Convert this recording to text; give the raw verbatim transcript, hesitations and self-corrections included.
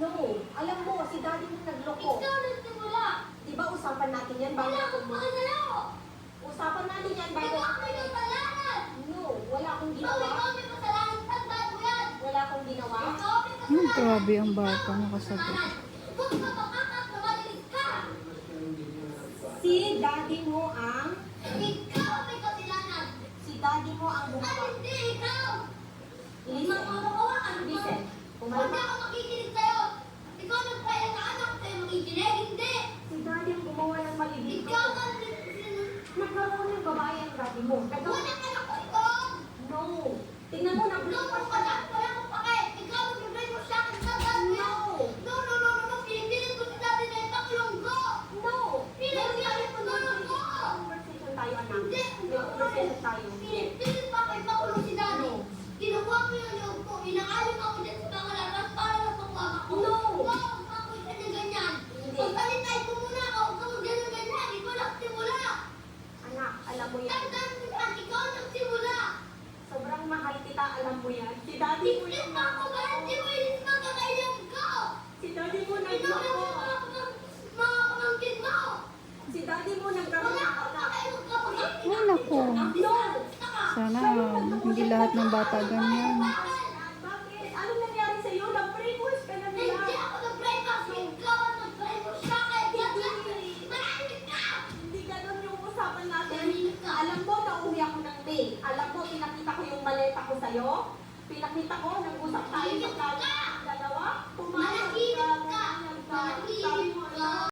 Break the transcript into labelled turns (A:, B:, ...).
A: No. Alam mo, si daddy mo nagloko.
B: Ikaw nagsimula.
A: Di ba usapan natin yan bago
B: Wala
A: ako
B: akong
A: mo?
B: pagkasalaw.
A: Usapan natin yan bago
B: Ikaw
A: ako.
B: may kasalanan.
A: No, wala akong
B: Ikaw,
A: ginawa.
B: ikaw may kasalanan. Tandaan mo yan.
A: Wala akong ginawa.
B: Ikaw may
C: Hmm,
B: kasalanan.
C: grabe ang bata,
B: Ikaw may
C: nakasagot.
B: kasalanan. Kung ka makakap na malinis ka.
A: Si daddy mo ang...
B: Ikaw may kasalanan.
A: Si daddy mo ang
B: At
A: gumawa.
B: hindi ikaw.
A: Listen.
B: Mamamawa ka naman.
A: Listen.
B: Huwag
A: Kumalma.
B: na ako makikinig sa'yo. Ikaw nagpaya na anak sa'yo makikinig. Hindi.
A: Si daddy ang gumawa ng mali dito.
B: Ikaw ang
A: Nagkaroon ng babae ang daddy mo. Nagkaroon...
B: Wala ka na ko ito.
A: No. Tingnan mo,
B: Lumos
A: nag-block
B: ka na. Wala akong pake. Ikaw magbibigay mo sa akin. Tandaan mo yan.
A: No.
B: No, no, no, no, no. Pinipilit ko si daddy na ipakulong ko.
A: No.
B: Pinipilit ko tulong ko.
A: Conversation tayo, anak.
B: Hindi.
A: May conversation tayo.
B: Pinipilit pa ko ipakulong si daddy. Kinukuha ko yung loob ko. Inaalim ako dyan sa mga laras para mapagwag ako.
A: No.
B: No. Ako isa na ganyan.
A: Hindi.
B: Pagtalitay ko muna ako. Huwag kang ganyan-ganyan. Ikaw nagsimula.
A: Anak, alam mo yan.
B: Tandaan mo yan. Ikaw nagsimula.
A: Sobrang mahal kita, alam mo yan. Si daddy mo
B: Hindi
A: yung
B: pa ako ba? Hindi mo ilis magkakailang ko.
A: Si daddy mo
B: Ikaw
A: nagloko.
B: yung mga pamang- mga pamangkin mo.
A: Si daddy mo nagkaroon
B: Wala
A: ng
B: akong
A: anak.
B: pakailang kapatid.
C: Ay, naku.
A: No.
C: Sana hindi lahat ng bata ganyan.
A: Bakit? Anong nangyari sa'yo? Nag-brainwash ka na nila.
B: Hindi ako nag-brainwash. Ikaw ang nag-brainwash sa akin. Manahimik ka!
A: Hindi ganun yung usapan natin.
B: Manahimik ka.
A: Alam mo, nauwi ako ng May. Alam mo, pinakita ko yung maleta ko sa'yo. Pinakita ko, nag-usap tayo sa